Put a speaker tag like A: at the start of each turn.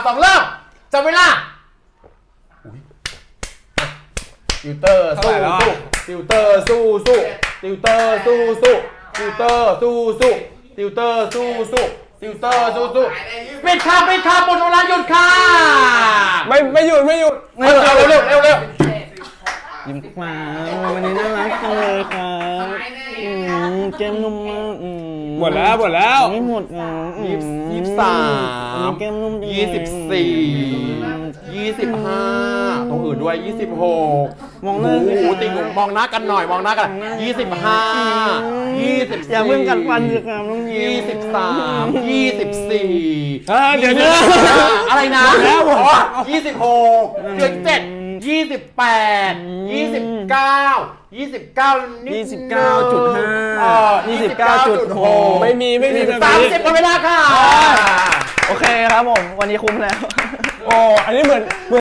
A: 2เริ่มจับเวลาติวเตอร์สู้ติวเตอร์สู้ติวเตอร์สู้ติวเตอร์สู้ติวเตอร์สู้ติวเตอร์สู้ปิดค่ะหมดเวลาหยุดค่ะ
B: ไม่หยุด
A: เร็ว
B: ยิ้มฟ้าวันนี้น่ารักจังเลยครับเกมนุ่มมากหมดแล้วไม่หมด
A: 23
B: เกมนุ่ม
A: 24 25ตรงอื่นด้วย26
B: มองหน้า
A: ติ่งมองหน้ากันหน่อยมองหน้ากัน25 24
B: อย่าเพิ่งกัดฟันสิครับน้อง
A: 23 24
B: เดี๋ยว
A: อะไรนะ26เดือน7 28 29
B: 29.6ไม่มีแบบนี้
A: 30หมดเวลาค่ะ
B: โอเคครับผมวันนี้คุ้มแล้วโอ้อันนี้เหมือน